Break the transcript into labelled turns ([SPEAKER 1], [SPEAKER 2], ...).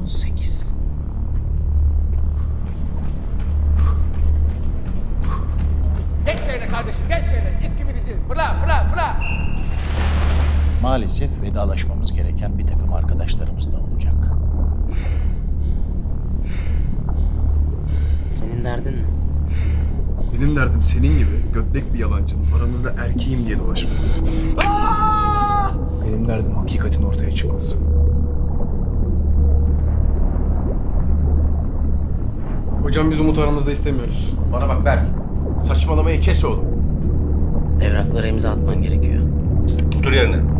[SPEAKER 1] 18.
[SPEAKER 2] Geç yerine kardeşim, geç yerine. İp gibi dizil. Fırla, fırla, fırla.
[SPEAKER 3] Maalesef vedalaşmamız gereken bir takım arkadaşlarımız da olacak.
[SPEAKER 1] Senin derdin ne?
[SPEAKER 4] Benim derdim senin gibi götlek bir yalancının aramızda erkeğim diye dolaşması. Benim derdim hakikatin ortaya çıkması. Hocam biz Umut aramızda istemiyoruz.
[SPEAKER 5] Bana bak Berk. Saçmalamayı kes oğlum.
[SPEAKER 1] Evraklara imza atman gerekiyor.
[SPEAKER 5] Otur yerine.